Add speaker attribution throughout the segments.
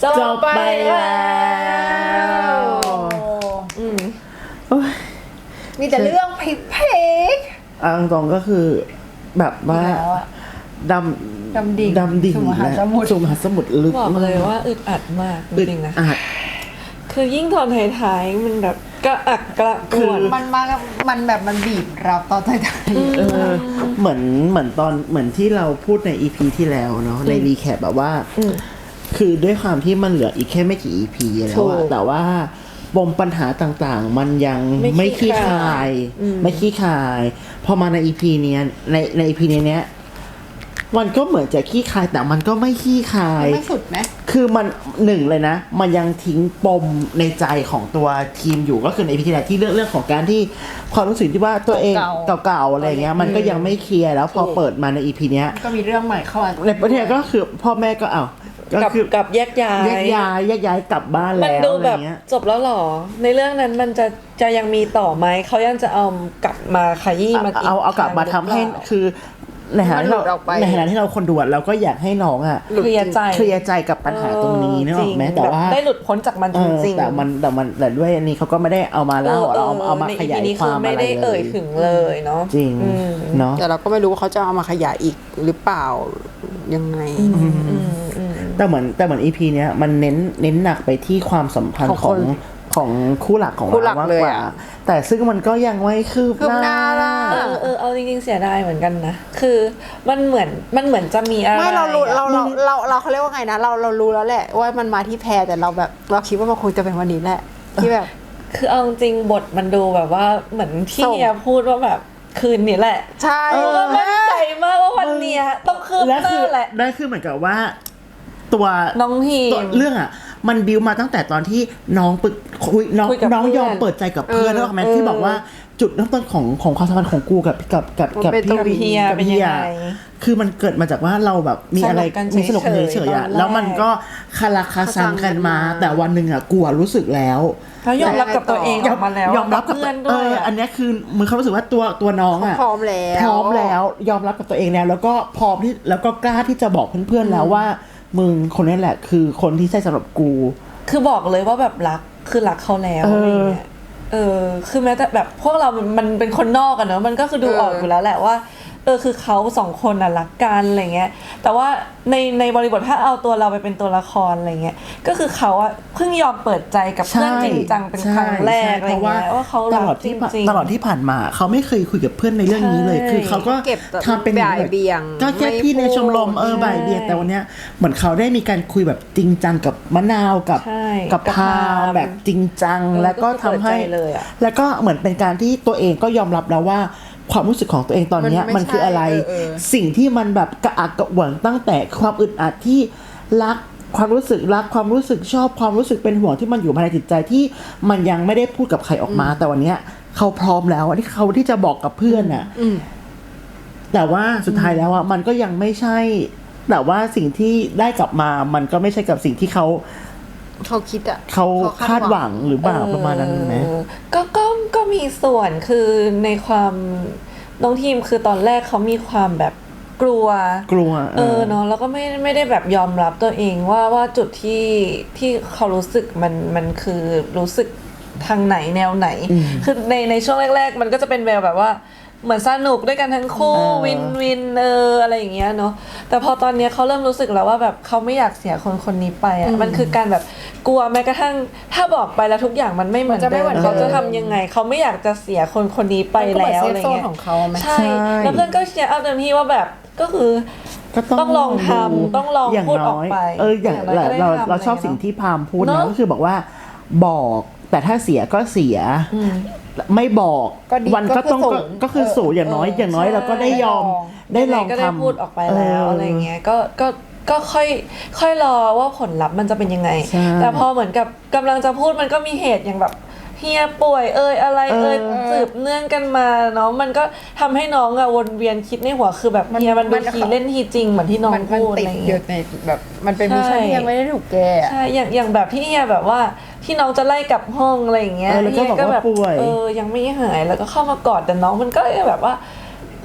Speaker 1: จบไปแล้ว
Speaker 2: มีแต่เรื่องเพก
Speaker 1: ตรงก็คือแบบว่าดำดิ่ง
Speaker 2: สู่มหาสมุทร
Speaker 3: ลึกบอกเลยว่าอึดอัดมากจริงๆนะคือยิ่งตอนท้ายๆมันแบบกระอักกระอ่วน
Speaker 2: มันแบบมันบีบเราตอนท้าย
Speaker 1: ๆเหมือนที่เราพูดใน EP ที่แล้วเนาะในรีแคปแบบว่าคือด้วยความที่มันเหลืออีกแค่ไม่กี่ EP แล้วอะแต่ว่าปมปัญหาต่างๆมันยังไม่คลี่คลายพอมาใน EP เนี้ยใน EP เนี้ยมันก็เหมือนจะขี้คายแต่มันก็ไม่ขี้คาย
Speaker 2: ไม่สุดไหม
Speaker 1: คือมันหนึ่งเลยนะมันยังทิ้งปมในใจของตัวทีมอยู่ก็คือในพิธีแรกที่เรื่องของการที่ความรู้สึกที่ว่าตัวเองเก่าๆอะไรเงี้ยมันก็ยังไม่เคลียร์แล้วพอเปิดมาใน EP เนี้ย
Speaker 2: ก็มีเรื่องใหม่เข้ามา
Speaker 1: ในประเทศก็คือพ่อแม่ก็
Speaker 3: ก็คือกับแยกย้
Speaker 1: ายกลับบ้านแล้ว
Speaker 3: มันดูแบบจบแล้วหรอในเรื่องนั้นมันจะยังมีต่อไหมเขายังจะเอากลับมาขยี้มา
Speaker 1: เอากลับมาทำให้คือในฐานะที่เราคนดูเราก็อยากให้น้อง
Speaker 3: เคลีย
Speaker 1: ร์ใจกับปัญหาตรงนี้นึกออกไหมแต่ว่า
Speaker 3: ได้หลุดพ้นจากมันจริง
Speaker 1: ๆแต่ด้วยอันนี้เขาก็ไม่ได้เอามาเล่าเอามาขยายความอะไรเลย
Speaker 3: ไม่ได้เอ่ยถึงเลยเนาะ
Speaker 1: จริงเนาะ
Speaker 2: แต่เราก็ไม่รู้ว่าเขาจะเอามาขยายอีกหรือเปล่ายังไง
Speaker 1: แต่เหมือน EP เนี้ยมันเน้นหนักไปที่ความสัมพันธ์ของคู่หลักของเรามากกว่าแต่ซึ่งมันก็ยังไม่คืบหน้า
Speaker 3: เอาจริงๆเสียดายเหมือนกันนะคือมันเหมือนจะมีอะไร
Speaker 2: ไม่เราเขาเรียกว่าไงนะเรารู้แล้วแหละว่ามันมาที่แพรแต่เราแบบเราคิดว่ามันคงจะเป็นวันนี้แหละที่แบบ
Speaker 3: คือเอาจริงบทมันดูแบบว่าเหมือนที่เฮียพูดว่าแบบคืนนี้แหละ
Speaker 2: ใช่
Speaker 3: ก็มั่นใจมากว่าวันนี้ต้องคืบหน้าแหละ
Speaker 1: ได้คือเหมือนกับว่าตัว
Speaker 3: น้องที
Speaker 1: เรื่องมันบิวมาตั้งแต่ตอนที่น้องน้องยอมเปิดใจกับเพื่อนแล้วแม้ที่บอกว่าจุดเริ่มต้นของความสัมพันธ์ของกูกับพี่
Speaker 3: เฮียเป็นยังไง
Speaker 1: คือมันเกิดมาจากว่าเราแบบมีอะไรมีสนุกเฉยๆแล้วมันก็คาราคาซังกันมาแต่วันหนึ่งกูรู้สึกแล้ว
Speaker 3: ยอมรับกับตัวเองออกมาแล้ว
Speaker 1: ยอมรับกับเพื่อนด้วยอันนี้คือมึงเขารู้สึกว่าตัวน้อง
Speaker 2: พร้อม
Speaker 1: แล้วยอมรับกับตัวเองแล้วก็พร้อมที่แล้วก็กล้าที่จะบอกเพื่อนๆแล้วว่ามึงคนนี้แหละคือคนที่ใช่สำหรับกู
Speaker 3: คือบอกเลยว่าแบบรักเขาแล้วอะไรเงี้ยคือแม้แต่แบบพวกเรามันเป็นคนนอกกันเนอะมันก็คือดูออกอยู่แล้วแหละว่าคือเขาสองคนรักกันอะไรเงี้ยแต่ว่าในบริบทถ้าเอาตัวเราไปเป็นตัวละครอะไรเงี้ยก็คือเขาเพิ่งยอมเปิดใจกับเพื่อนจริงจังเป็นครั้งแรกอะไรเงี้ยว่าเขา
Speaker 1: ตลอดที่ผ่านมาเขาไม่เคยคุยกับเพื่อนในเรื่องนี้เลยคือเขาก็ทำเป็น
Speaker 2: บ่ายเบี่ยง
Speaker 1: ก็แค่พี่ในชมรมบ่ายเบี่ยงแต่วันเนี้ยเหมือนเขาได้มีการคุยแบบจริงจังกับมะนาวกับพาแบบจริงจังแล้วก็ทำให้แล้วก็เหมือนเป็นการที่ตัวเองก็ยอมรับแล้วว่าความรู้สึกของตัวเองตอนนี้มันคืออะไรสิ่งที่มันแบบกระอักกระอ่วนตั้งแต่ความอึดอัดที่รักความรู้สึกชอบความรู้สึกเป็นห่วงที่มันอยู่ภายในจิตใจที่มันยังไม่ได้พูดกับใครออกมาแต่วันนี้เขาพร้อมแล้วที่เขาที่จะบอกกับเพื่อนน่ะแต่ว่าสุดท้ายแล้วมันก็ยังไม่ใช่แต่ว่าสิ่งที่ได้กลับมามันก็ไม่ใช่กับสิ่งที่เขา
Speaker 2: คิด
Speaker 1: เขาคาดหวังหรือเปล่าประมาณนั้นไหม
Speaker 3: ก็มีส่วนคือในความน้องทีมคือตอนแรกเขามีความแบบกลัวเนาะแล้วก็ไม่ได้แบบยอมรับตัวเองว่าจุดที่เขารู้สึกมันคือรู้สึกทางไหนแนวไหนคือในช่วงแรกๆมันก็จะเป็นแบบว่าเหมือนสนุกด้วยกันทั้งคู่วินอะไรอย่างเงี้ยเนาะแต่พอตอนนี้เขาเริ่มรู้สึกแล้วว่าแบบเขาไม่อยากเสียคนนี้ไปมันคือการแบบกลัวแม้กระทั่งถ้าบอกไปแล้วทุกอย่างมันไม่เหมือนเดิมเขาจะทำยังไงเขาไม่อยากจะเสียคนนี้ไปแล้วอะไรเงี้ยใช่แล้วเพื่อนก็เชียร์เอาเต็มที่ว่าแบบก็คือต้องลองทำต้องลองพูดออกไป
Speaker 1: อย่างเราชอบสิ่งที่พามพูดนะก็คือบอกว่าบอกแต่ถ้าเสียก็เสียไม่บอกวันก็ต้องก็คือสูงอย่างน้อยเราก็ได้ยอมได้ลองทำ
Speaker 3: พูดออกไปแล้วอะไรเงี้ยก็ค่อยรอว่าผลลัพธ์มันจะเป็นยังไงแต่พอเหมือนกับกำลังจะพูดมันก็มีเหตุอย่างแบบเฮียป่วยอะไรสืบเนื่องกันมาเนาะมันก็ทำให้น้องวนเวียนคิดในหัวคือแบบเฮียมันดูทีเล่นทีจริงเหมือนที่น้องพูดอะไรอย่างเงี้ย
Speaker 2: แบบมันเป็นมิชชั่นที่ยังไม่ได้ถูกแก้
Speaker 3: ใช่อย่างแบบที่เฮียแบบว่าที่น้องจะไล่กลับห้องอะไรอย่างเงี้ย
Speaker 1: เฮียก็แบบ
Speaker 3: ยังไม่หายแล้วก็เข้ามากอดแต่น้องมันก็แบบว่า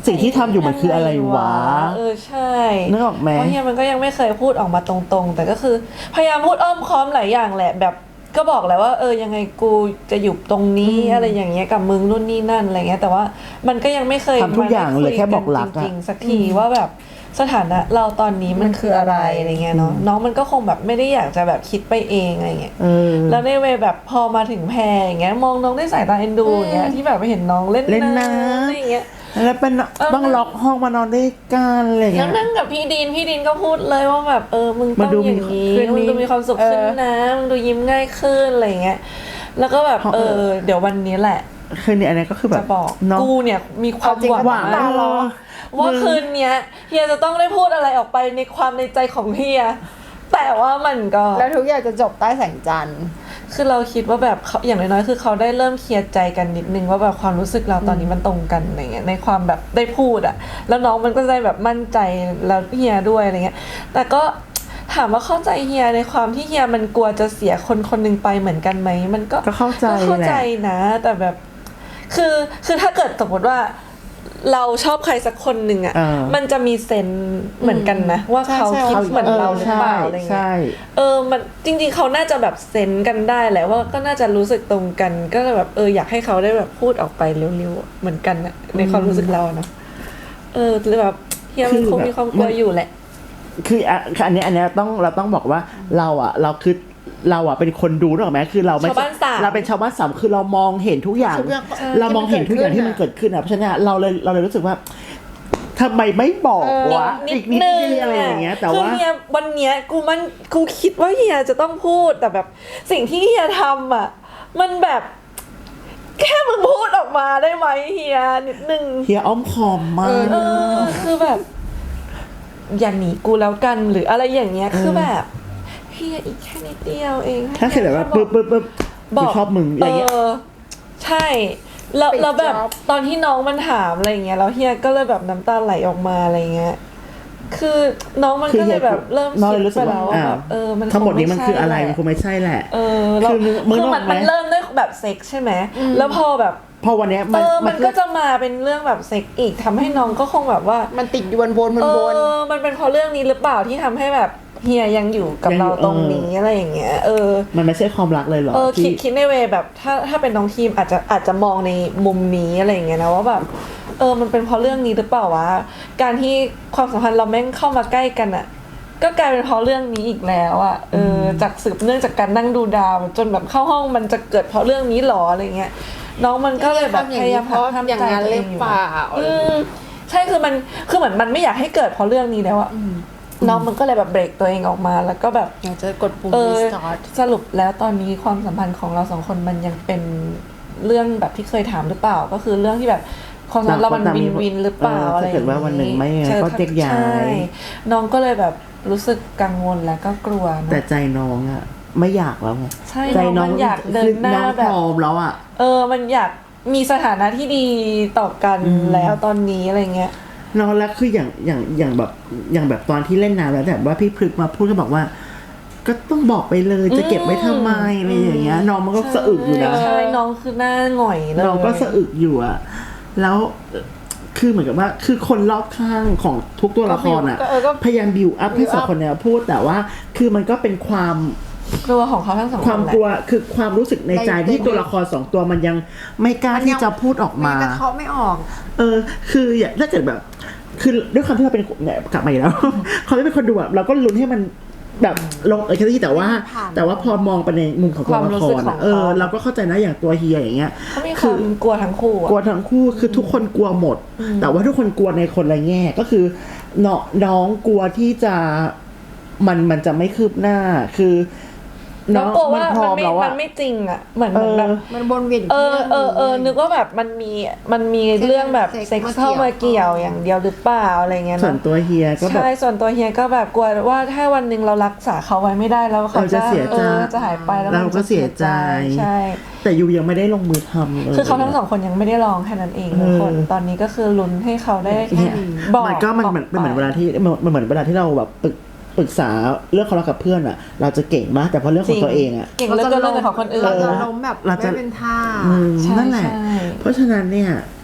Speaker 1: สิ่งที่ทำอยู่มันคืออะไรวะ
Speaker 3: ใช่
Speaker 1: นึกออกไหม
Speaker 3: เพราะเฮียมันก็ยังไม่เคยพูดออกมาตรงๆแต่ก็คือพยายามพูดอ้อมค้อมหลายอย่างแหละแบบก็บอกแหละว่ายังไงกูจะอยู่ตรงนี้อะไรอย่างเงี้ยกับมึงนู่นนี่นั่นอะไรเงี้ยแต่ว่ามันก็ยังไม่เคย
Speaker 1: ทำทุกอย่างเลยแค่บอกรัก
Speaker 3: จริงๆสักทีว่าแบบสถานะเราตอนนี้มันคืออะไรอะไรเงี้ยเนาะน้องมันก็คงแบบไม่ได้อยากจะแบบคิดไปเองอะไรเงี้ยแล้วในเวแบบพอมาถึงแพรอย่างเงี้ยมองน้องด้วยสายตาเอ็นดูอย่างเงี้ยที่แบบไปเห็นน้องเล่นน้ำอะไรเงี้ย
Speaker 1: แล้วเป็นต้องล็อกห้องมานอนด้วยกันอะไรเงี้ย
Speaker 3: แล้วนั่งกับพี่ดินก็พูดเลยว่าแบบมึงต้องอย่างนี้มึงดูมีความสุขขึ้นนะมึงดูยิ้มง่ายขึ้นอะไรเงี้ยแล้วก็แบบเดี๋ยววันนี้แหละ
Speaker 1: คืนนี้อันนี้ก็คือแบบ
Speaker 3: จะบอกกูเนี่ยมีความหวังมากว่าคืนนี้เฮียจะต้องได้พูดอะไรออกไปในความในใจของเฮียแต่ว่ามันก็
Speaker 2: แล้วทุกอย่างจะจบใต้แสงจันทร์
Speaker 3: คือเราคิดว่าแบบเขาอย่างน้อยๆคือเขาได้เริ่มเคลียร์ใจกันนิดนึงว่าแบบความรู้สึกเราตอนนี้มันตรงกันอะไรเงี้ยในความแบบได้พูดอะแล้วน้องมันก็ได้แบบมั่นใจแล้วเฮียด้วยอะไรเงี้ยแต่ก็ถามว่าเข้าใจเฮียในความที่เฮียมันกลัวจะเสียคนคนนึงไปเหมือนกันไหมมันก็
Speaker 1: เข้าใจ
Speaker 3: นะแต่แบบคือถ้าเกิดสมมติว่าเราชอบใครสักคนหนึ่งอ่ะมันจะมีเซนเหมือนกันนะว่าเขาคิดเหมือนเราหรือเปล่าอะไรเงี้ยมันจริงๆเขาน่าจะแบบเซนกันได้แหละว่าก็น่าจะรู้สึกตรงกันก็แบบอยากให้เขาได้แบบพูดออกไปเร็วๆเหมือนกันนะในความรู้สึกเราเนาะหรือแบบเฮียมันคงมีความกลัวอยู่แหละ
Speaker 1: คืออันนี้เราต้องบอกว่าเราคือเราเป็นคนดูหรอกไหมคือเราไม่เราเป็นชาวบ้านสามคือเรามองเห็นทุกอย่างเรามองเห็นทุกอย่างที่มันเกิดขึ้นเพราะฉะนั้นเราเลยรู้สึกว่าทำไมไม่บอกวะอีกนิดนึงอะไรอย่างเงี้ยแต่ว่า
Speaker 3: วันเนี้ยกูคิดว่าเฮียจะต้องพูดแต่แบบสิ่งที่เฮียทำอ่ะมันแบบแค่มึงพูดออกมาได้ไหมเฮียนิดนึง
Speaker 1: เฮียอ้อมคอมมาก
Speaker 3: คือแบบอย่าหนีกูแล้วกันหรืออะไรอย่างเงี้ยคือแบบเฮียอีกแค่นิดเดียวเอง
Speaker 1: ถ้าเสร็จแบบว่าปึ๊บบอกชอบมึงอะไรเงี้ย
Speaker 3: ใช่แล้วแบบตอนที่น้องมันถามอะไรเงี้ยแล้วเฮียก็เลยแบบน้ำตาไหลออกมาอะไรเงี้ยคือน้องมันก็เลยแบบเริ่มคิดไปแล้วว่าแบบ
Speaker 1: มันทั้งหมดนี้มันคืออะไรมันคงไม่ใช่แหละ
Speaker 3: คือมันเริ่มด้วยแบบเซ็กใช่ไหมแล้วพอแบบ
Speaker 1: พอวันนี้
Speaker 3: มันก็จะมาเป็นเรื่องแบบเซ็กอีกทำให้น้องก็คงแบบว่า
Speaker 2: มันติดวน
Speaker 3: มันเป็นเพราะเรื่องนี้หรือเปล่าที่ทำให้แบบเฮียยังอยู่กับเราตรงนี้อะไรอย่างเงี้ย
Speaker 1: มันไม่ใช่ความรักเลยหรอ
Speaker 3: คิดในเวแบบถ้าเป็นน้องทีมอาจจะมองในมุมนี้อะไรอย่างเงี้ยนะว่าแบบมันเป็นเพราะเรื่องนี้หรือเปล่าวะการที่ความสัมพันธ์เราแม่งเข้ามาใกล้กันอ่ะก็กลายเป็นเพราะเรื่องนี้อีกแล้วอ่ะจากสืบเนื่องจากการนั่งดูดาวจนแบบเข้าห้องมันจะเกิดเพราะเรื่องนี้หรออะไรเงี้ยน้องมันก็เลยแบบพยายามทำใจตัวเองอยู่ใช่คือเหมือนมันไม่อยากให้เกิดเพราะเรื่องนี้แล้วอ่ะน้องมันก็เลยแบบเบรกตัวเองออกมาแล้วก็แบบ
Speaker 2: อยากจะกดปุ่ม restart
Speaker 3: สรุปแล้วตอนนี้ความสัมพันธ์ของเราสองคนมันยังเป็นเรื่องแบบที่เคยถามหรือเปล่าก็คือเรื่องที่แบบความสัมพันธ์เรามันวินหรือเปล่าอะไรอย่างเงี้ย
Speaker 1: ถ้าเกิดว่าวันหนึ่งไม่ก็เจ๊กย้าย
Speaker 3: น้องก็เลยแบบรู้สึกกังวลและก็กลัว
Speaker 1: แต่ใจน้องอะไม่อยากแล้วไง
Speaker 3: ใจน้องอยากเดินหน้าแบบ
Speaker 1: พร้อมแล้วอะ
Speaker 3: มันอยากมีสถานะที่ดีต่อกันแล้วตอนนี้อะไรเงี้ย
Speaker 1: น้องแล้วคืออย่างแบบตอนที่เล่นน้ำแล้วแบบว่าพี่พฤกษ์มาพูดก็บอกว่าก็ต้องบอกไปเลยจะเก็บไว้ทำไมอะไรอย่างเงี้ยน้องมันก็สะอึกอยู่นะ
Speaker 3: ใช่น้องคือหน้าหงอยเลย
Speaker 1: น้องก็สะอึกอยู่อะแล้วคือเหมือนกับว่าคือคนรอบข้างของทุกตัวละครอะพยายามบิวอัพให้สองคนเนี้ยพูดแต่ว่าคือมันก็เป็นความ
Speaker 3: กลัวของเขาทั้งสองคน
Speaker 1: ความกลัวคือความรู้สึกในใจที่ตัวละครสองตัวมันยังไม่กล้าที่จะพูดออกมา
Speaker 2: กระเทาะไม่ออก
Speaker 1: คือถ้าเกิดแบบคือด้วยความที่เราเป็นเนี่ยกลับมาอีกแล้วเขาไม่เป็นคนดูอะเราก็ลุ้นให้มันแบบลงแค่ที่แต่ว่าพอมองไปในมุมของตัวละครเราก็เข้าใจนะอย่างตัวเฮียอย่างเงี้ย
Speaker 3: เขามีความกลัวทั้งคู่
Speaker 1: คือทุกคนกลัวหมดแต่ว่าทุกคนกลัวในคนละแง่ก็คือน้องกลัวที่จะมันจะไม่คืบหน้าคือ
Speaker 3: น้องกลัวว่ามันไม่จริงอ่ะเหมือนแบบ
Speaker 2: มันวนเวียน
Speaker 3: นึกว่าแบบมันมีเรื่องแบบเซ็กซ์เข้ามาเกี่ยวอย่างเดียวหรือเปล่าอะไรเงี้ย
Speaker 1: ส่วนตัวเฮียก็แบบ
Speaker 3: ใช่ส่วนตัวเฮียก็แบบกลัวว่าถ้าวันนึงเรารักษาเขาไว้ไม่ได้แล้วเขาจะ
Speaker 1: เสียใจ
Speaker 3: จะหายไปแล้ว
Speaker 1: เราก็เสียใจ
Speaker 3: ใช่
Speaker 1: แต่ยูยังไม่ได้ลงมือทำ
Speaker 3: เลยคือเขาทั้งสองคนยังไม่ได้ลองแค่นั้นเองทุกคนตอนนี้ก็คือลุ้นให้เขาได้บอก
Speaker 1: มันก็มันเหมือนเวลาที่มันเหมือนเวลาที่เราแบบปรึกษาเรื่องของเรากับเพื่อนอะเราจะเก่งมากแต่พอเรื่องของตัวเองอะ
Speaker 3: เก่งเรื่องของคนอื่น
Speaker 2: เราจะล้มแบบไม่เป็นท่า
Speaker 1: นั่นแหละเพราะฉะนั้นเนี่ย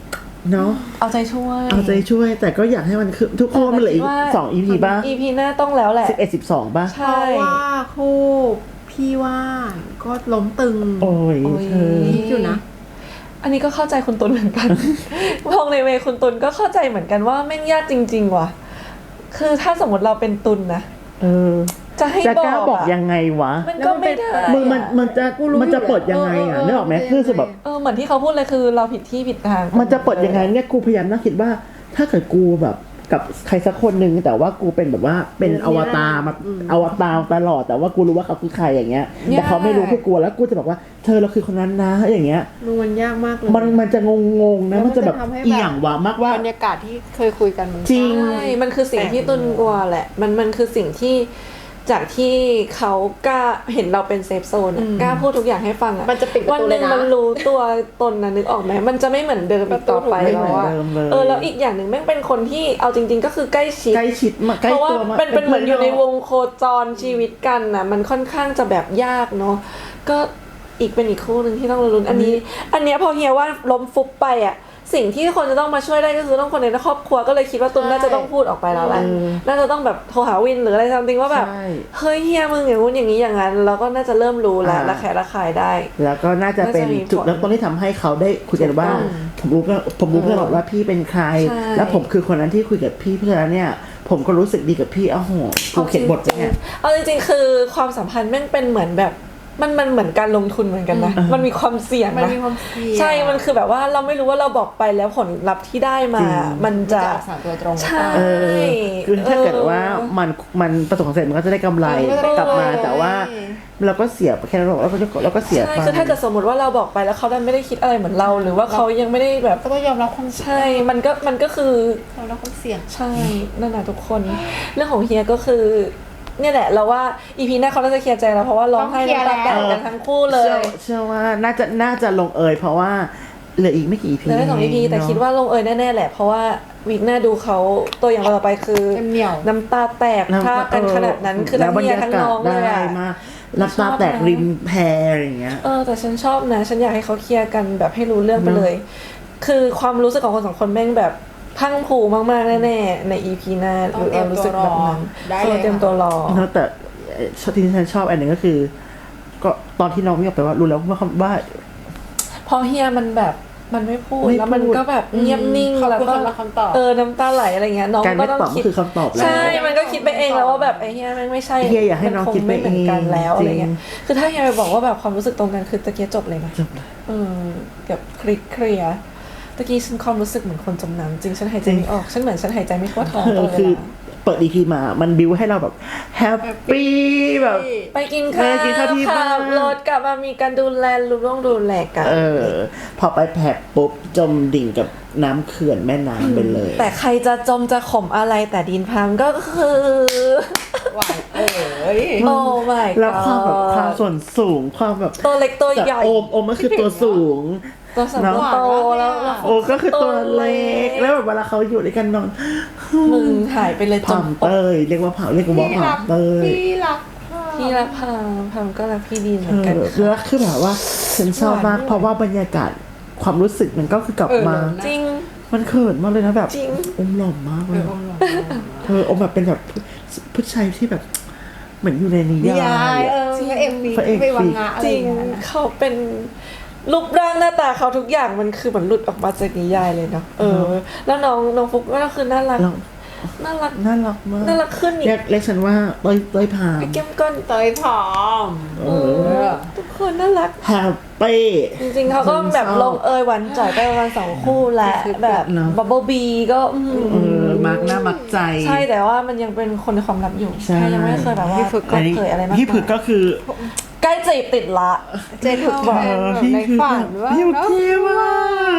Speaker 1: เนาะ
Speaker 3: เอาใจช่วย
Speaker 1: เอาใจช่วยแต่ก็อยากให้มันคือทุกคนมันเหลืออีก2 EP ป่ะ
Speaker 3: EP หน้าต้องแล้วแหละ
Speaker 1: 11-12ป่ะ
Speaker 3: ใช่
Speaker 2: เพราะว่าคู่พี่ว่านก็ล้มตึง
Speaker 1: โอ้ย
Speaker 3: โอ้ย
Speaker 1: เธอ
Speaker 2: คิดอยู่นะ
Speaker 3: อันนี้ก็เข้าใจคุณตุลเหมือนกัน มองในเวคุณตุลก็เข้าใจเหมือนกันว่าแม่งยากจริง ๆ ว่ะ คือถ้าสมมติเราเป็นตุลนะ
Speaker 1: เออ
Speaker 3: จะให้
Speaker 1: จะ
Speaker 3: บอก
Speaker 1: กล้าบอก
Speaker 3: อะ
Speaker 1: ยังไงวะ
Speaker 3: มันก็ไม่ได้
Speaker 1: มึงมันจะ
Speaker 2: กูรู้
Speaker 1: มันจะ
Speaker 2: อยู่
Speaker 1: เปิดยังไง
Speaker 2: แล้ว
Speaker 1: อ่ะนึกออกไหม
Speaker 2: เออ
Speaker 1: คือสุดแบบ
Speaker 3: เหมือนที่เขาพูดเลยคือเราผิดที่ผิดทาง
Speaker 1: มันจะเปิดยังไงเนี่ยกูพยายามนั่งคิดว่า ถ้าเกิดกูแบบกับใครสักคนหนึ่งแต่ว่ากูเป็นแบบว่าเป็นอวตารมาอวตารตลอดแต่ว่ากูรู้ว่าเขาคือใครอย่างเงี้ย แต่เขาไม่รู้คือกูแล้วกูจะบอกว่าเธอเราคือคนนั้นนะอย่างเงี้ย
Speaker 2: มันยากมากเลย
Speaker 1: มันจะงงๆนะ
Speaker 2: แล้วมั
Speaker 1: มัน นจะแบบ
Speaker 2: จะทำให้แบบ
Speaker 1: อีหยังวะมากว่า
Speaker 2: บรรยากาศที่เคยคุยกันมัน
Speaker 1: จริง
Speaker 3: ใช่มันคือสิ่งที่ตุนกลัวแหละ มันคือสิ่งที่จากที่เขากล้าเห็นเราเป็นเซฟโซนอะกล้าพูดทุกอย่างให้ฟังอะ
Speaker 2: มันจะปิดประ
Speaker 3: วัน
Speaker 2: ตู
Speaker 3: ห
Speaker 2: เล
Speaker 3: นึ่
Speaker 2: ย
Speaker 3: ง
Speaker 2: นะ
Speaker 3: มันรู้ตัวตนนะนึกออกไหมมันจะไม่เหมือนเดิมอีกต่อไป
Speaker 1: ไม่เหมื
Speaker 3: แล้
Speaker 1: อน
Speaker 3: วอะ
Speaker 1: เดิมเลย
Speaker 3: แล้วอีกอย่างหนึ่งแม่งเป็นคนที่เอาจริง ๆ ก็คือใกล้ชิด
Speaker 1: ใกล้ชิดมากใกล้
Speaker 3: เพราะว่า
Speaker 1: ตัวมาก
Speaker 3: เป็นเหมือนอยู่ในวงโคจรชีวิตกันนะมันค่อนข้างจะแบบยากเนาะก็อีกเป็นอีกคู่หนึ่งที่ต้องลุ้นอันนี้พอเฮียว่าล้มฟุบไปอ่ะสิ่งที่คนจะต้องมาช่วยได้ก็คือต้องคนในครอบครัวก็เลยคิดว่าตุนน่าจะต้องพูดออกไปแล้วแหละน่าจะต้องแบบโทรหาวินหรืออะไรทำจริงว่าแบบ
Speaker 1: ใช่
Speaker 3: เฮ้ยเฮียมึงอย่างงู้นอย่างนี้อย่างนั้นเราก็น่าจะเริ่มรู้แล้วระแคะระคายได้
Speaker 1: แล้วก็น่าจะเป็น
Speaker 3: น่าจะมี
Speaker 1: จุดเริ่มต้นที่ทำให้เขาได้คุยกันว่า ผมรู้เพื่อนบอกว่าพี่เป็นใคร
Speaker 3: ใช่
Speaker 1: แล้วผมคือคนนั้นที่คุยกับพี่เพื่อนแล้วเนี่ย ผมก็รู้สึกดีกับพี่อ้าวโหกูเขียนบทเนี่ย
Speaker 3: เอาจริงๆคือความสัมพันธ์แม่งเป็นเหมือนแบบมันเหมือนการลงทุนเหมือนกันนะมันมีความเสี่ยง
Speaker 2: มัน
Speaker 3: นะ
Speaker 2: มีความเสี่ยง
Speaker 3: ใช่มันคือแบบว่าเราไม่รู้ว่าเราบอกไปแล้วผลลัพธ์ที่ได้มา มันจะ
Speaker 2: สารตัวตรง
Speaker 3: ใช่
Speaker 1: เออคือถ้าเกิดว่ามันประสบความสำเร็จมันก็จะได้กำไร
Speaker 2: มันก็จะได้
Speaker 1: กลับมา
Speaker 2: กำไร
Speaker 1: แต่ว่าเราก็เสียไปแค่นั้นหรอกเราก็เสีย
Speaker 3: ใช่
Speaker 1: ไป
Speaker 3: คือถ้าเกิดสมมติว่าเราบอกไปแล้วเขาดันไม่ได้คิดอะไรเหมือนเรา หรือว่าเขายังไม่ได้แบบ
Speaker 2: ก็ต้องยอมรับความ
Speaker 3: ใช่มันก็คือ
Speaker 2: ยอมรับความเสี่ยง
Speaker 3: ใช่นั่นแหละทุกคน เรื่องของเฮียก็คือเนี่ยแหละเราว่าอีพีหน้าเขาน่าจะเคลียร์ใจแล้วเพราะว่าร้องไห้น้ำตาแตกกันทั้งคู่เลย
Speaker 1: เชื่อว่าน่าจะลงเอยเพราะว่าเหลืออีกไม่กี่ EP
Speaker 3: เหลือได้2 EP แต่คิดว่าลงเอยแน่ๆแหละเพราะว่าวีคหน้าดูเขาตัวอย่างต่อไปคือ
Speaker 2: เหนียว
Speaker 3: น้ำตาแตกพากันขนาดนั้นคือทั้งเมียทั้งน้องเลย
Speaker 1: ได้
Speaker 3: อะ
Speaker 1: มากน้ำตาแตกริมแพอย่างเงี้ย
Speaker 3: แต่ฉันชอบนะ ฉันอยากให้เขาเคลียร์กันแบบให้รู้เรื่องไปเลย คือความรู้สึกของคนสองคนแม่งแบบพังผูมากๆแน่ๆใน EP หน้าหรือเรารู้สึกแบบนั้น
Speaker 2: ได้เลย
Speaker 3: เตรียมตัวรอ
Speaker 1: เนอะแต่ที่ฉันชอบอันหนึ่งก็คือ ก็ตอนที่น้องวิ่งออกไปว่ารู้แล้วว่า
Speaker 3: พอเฮียมันแบบมันไม่พูด
Speaker 1: ไม่พูด
Speaker 3: แล้วมันก็แบบเงียบนิ่ง
Speaker 2: เขา
Speaker 3: แล้ว
Speaker 2: พูด
Speaker 3: ก็
Speaker 2: คำละคำตอบ
Speaker 3: น้ำตาไหลอะไรเงี้ยน้อง
Speaker 1: การ
Speaker 3: ก็
Speaker 1: ไม่
Speaker 3: ต้อง
Speaker 1: ตอบก็
Speaker 3: คิด
Speaker 1: คือคำตอบแล้ว
Speaker 3: ใช่ มันก็คิดไปเองแล้วว่าแบบไอ้เฮียแม่งไม่ใช่
Speaker 1: เฮียอยากให้น้องคิดไปเอง
Speaker 3: มันคงไม่เหมือนกันแล้วอะไรเงี้ย
Speaker 1: จริง
Speaker 3: คือถ้าเฮียไปบอกว่าแบบความรู้สึกตรงกันคือตะเกียจบเลยนะ
Speaker 1: จบเลย
Speaker 3: แบบเคลียร์ตะกี้ฉันความรู้สึกเหมือนคนจมน้ำจริงฉันหายใจไม่ออกฉันเหมือนฉันหายใจไม่ทั่วท้องตลอดเว
Speaker 1: คือ
Speaker 3: ลา
Speaker 1: เปิด EP มามันบิวให้เราแบบแฮปปี้แบบ
Speaker 3: ไปกินข้าว
Speaker 1: ไปกินข้าวที่บ้าน
Speaker 3: ขับรถกลับมามีการดูแลดูแลกัน
Speaker 1: พอไปแผลปุ๊บจมดิ่งกับน้ำเขื่อนแม่น้ำไปเลย
Speaker 3: แต่ใครจะจมจะข่มอะไรแต่ดินพังก็คือ
Speaker 2: หวาน
Speaker 3: โอ้ my god
Speaker 1: แล้วความส่วนสูงความแบบ
Speaker 3: ตัวเล็กตัวใหญ่
Speaker 1: โอมก็คือตัวสูง
Speaker 3: ตัวสัมตัวโตแล้ว
Speaker 1: โอก็คือตัวเล็กแล้วแบบเวลาเขาอยู่ด้วยกันนอน
Speaker 3: มึงหายไปเลยจ
Speaker 1: ผ่าม เตยเรียกว่าผ่าเรียกว่าผ่าเตย
Speaker 2: พี่รัก
Speaker 3: พี่รักพามก็รักพี่ดีเหมือนกัน
Speaker 1: แล้วคือแบบว่าฉันชอบมากเพราะว่าบรรยากาศความรู้สึกมันก็คือกลับมา
Speaker 3: จริง
Speaker 1: มันเขินมากเลยนะแบบ
Speaker 3: จริง
Speaker 1: อมหล่อมากเลยเธออมแบบเป็นแบบผู้ชายที่แบบเหมือนอยู่ในนิยาย
Speaker 2: พระเอก
Speaker 1: พระเอก
Speaker 2: ไปวังงะอะไร
Speaker 3: จริ
Speaker 2: อง ย่างเงี้ย
Speaker 3: เขาเป็นรูปร่างหน้าตาเขาทุกอย่างมันคือเหมือนหลุดออกมาจากนิยายเลยเนาะแล้วน้องฟุกก็คือน่ารัก
Speaker 1: แล้ว
Speaker 3: น่ารัก
Speaker 1: น่ารักมาก
Speaker 3: น่ารักขึ้นอีก
Speaker 1: เรียกฉันว่าเต้ยพาม
Speaker 3: ไอ้แก้มก้อน
Speaker 2: เตยผอม
Speaker 3: ทุกคนน่ารัก
Speaker 1: แฮปปี้
Speaker 3: จริงๆเขาก็แบบลงหวานจ่อยไปประมาณ2 คู่แหละแบบ
Speaker 1: เนอะ
Speaker 3: บับเบิลบีก็
Speaker 1: มักหน้ามักใจ
Speaker 3: ใช่แต่ว่ามันยังเป็นคนในความลับอยู่
Speaker 1: ใช่
Speaker 3: แค่ยังไม่เคยแบบว่าเปิดเผยอะไรมาก
Speaker 1: พี่ผึกก็คือ
Speaker 3: ใกล้จีบติดละ
Speaker 2: เจนเขาเป็นแบบในฝันว่า
Speaker 1: พี่ผึก
Speaker 2: เนาะ
Speaker 1: เท่มาก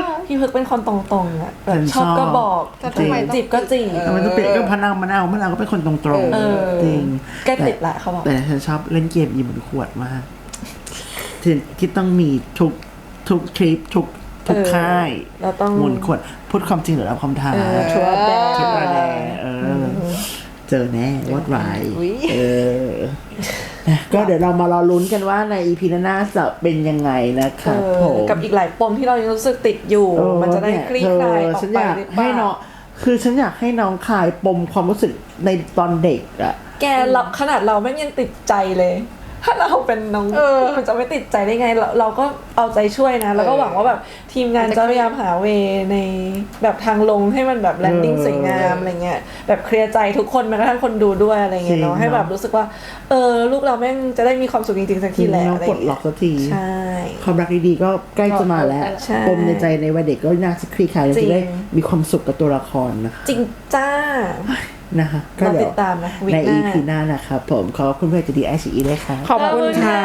Speaker 3: พี่พึกเป็นคนตรงๆอ่ะแบบ
Speaker 1: ฉัน
Speaker 3: ชอบก็
Speaker 1: ชอบ
Speaker 3: บอก
Speaker 2: แต่ทำไมต้อง
Speaker 3: จีบก็จีบ
Speaker 1: ทำไมต้องเปลี่ยนก็มะนาวก็เป็นคนตรง
Speaker 3: เออ
Speaker 1: ๆจริง
Speaker 3: ใกล้ติดละเขาบอก
Speaker 1: แต่ฉันชอบเล่นเกมอีเหมือนขวดมากที่ต้องมีทุกทริปทุกค่าย
Speaker 3: เราต้อง
Speaker 1: หมุนขวดพูดความจริงหรือรับคำท้า
Speaker 3: ชัวร์แดง
Speaker 1: ชุดอะไรเจอแน่วอดไว
Speaker 2: อุ๊ย
Speaker 1: เออก็เดี๋ยวเรามารอลุ้นกันว่าใน EP หน้าจะเป็นยังไงนะครับผม
Speaker 3: กับอีกหลายปมที่เรายังรู้สึกติดอยู่ มันจะได้คลี่คลายออก
Speaker 1: ฉัน
Speaker 3: ไป
Speaker 1: อยาก
Speaker 3: หรือเป
Speaker 1: ให้น้อ
Speaker 3: ล่าง
Speaker 1: คือฉันอยากให้น้องคลายปมความรู้สึกในตอนเด็กอะ
Speaker 3: แกเราขนาดเราแม่งยังติดใจเลย ถ้าเราเป็นน้องมันจะไม่ติดใจได้ไงเราก็เอาใจช่วยนะ แล้วก็หวังว่าแบบทีมงานจะพยายามหาเวในแบบทางลงให้มันแบบแลนดิ้งสวยงามอะไรเงี้ยแบบเคลียร์ใจทุกคนแม้กระทั่งคนดูด้วยอะไรเงี้ยเนาะให้แบบรู้สึกว่าลูกเราแม่งจะได้มีความสุขจริงๆสักทีแหละ
Speaker 1: น้อง
Speaker 3: อะไร
Speaker 1: ปลด
Speaker 3: เงี้ย
Speaker 1: ล็อกสักที
Speaker 3: ใช่
Speaker 1: ความรักดีๆก็ใกล้จะมาแล้ว
Speaker 3: ใช่
Speaker 1: ปมในใจในวัยเด็กก็น่าจะคลี่คลาย
Speaker 3: จริง
Speaker 1: จะได้มีความสุขกับตัวละครนะคะ
Speaker 3: จริงจ้า
Speaker 1: นะคะก็
Speaker 3: เรา
Speaker 1: เดี๋
Speaker 3: ติ
Speaker 1: ยว
Speaker 3: ดตามนะวีค
Speaker 1: ใน
Speaker 3: หน้า
Speaker 1: EP หน้านะครับผมขอบคุณเพื่อนจะดีไอซีเลยค่ะ
Speaker 2: ขอบคุณค่ะ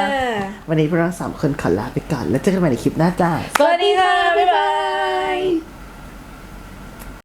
Speaker 1: วันนี้พวกเรา3 คนขอลาไปก่อนแล้วเจอกันใหม่ในคลิปหน้าจ้า
Speaker 3: สวัสดีค่ะ บ๊ายบาย